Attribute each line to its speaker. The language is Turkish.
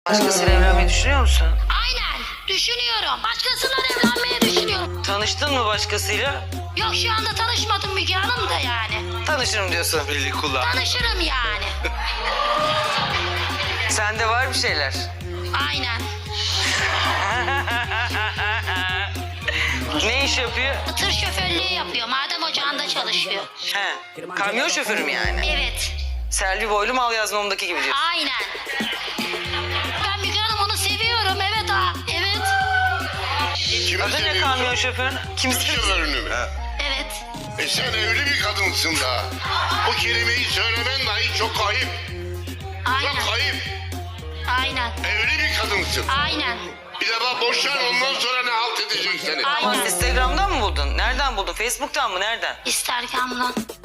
Speaker 1: Başkasıyla evlenmeyi düşünüyor musun?
Speaker 2: Aynen. Düşünüyorum. Başkasıyla evlenmeyi düşünüyorum.
Speaker 1: Tanıştın mı başkasıyla?
Speaker 2: Yok şu anda tanışmadım Müge Hanım da yani.
Speaker 1: Tanışırım diyorsun.
Speaker 3: Belli kullan.
Speaker 2: Tanışırım yani.
Speaker 1: Sende var bir şeyler.
Speaker 2: Aynen.
Speaker 1: Ne iş yapıyor?
Speaker 2: Tır şoförlüğü yapıyor. Maden ocağında çalışıyor.
Speaker 1: He, kamyon şoförü mü yani?
Speaker 2: Evet.
Speaker 1: Selvi Boylu Mal Yazmam'daki gibi diyorsun.
Speaker 2: Aynen. Ben Müge Hanım onu seviyorum. Evet ha. Evet.
Speaker 4: Kimi
Speaker 1: Adı ne
Speaker 4: seviyorsun?
Speaker 1: kamyon şoförü?
Speaker 4: Tır
Speaker 1: Kimse...
Speaker 4: şoförünü mü?
Speaker 2: Evet.
Speaker 4: Sen evli bir kadınsın da. Bu kelimeyi söylemen dahi çok ayıp.
Speaker 2: Aynen.
Speaker 4: Çok ayıp.
Speaker 2: Aynen.
Speaker 4: Evli bir kadınsın.
Speaker 2: Aynen.
Speaker 4: Bir defa boşan ondan sonra ne halt edecek seni?
Speaker 2: Aynen.
Speaker 1: Instagram'dan mı buldun? Nereden buldun? Facebook'tan mı? Nereden?
Speaker 2: Instagram'dan.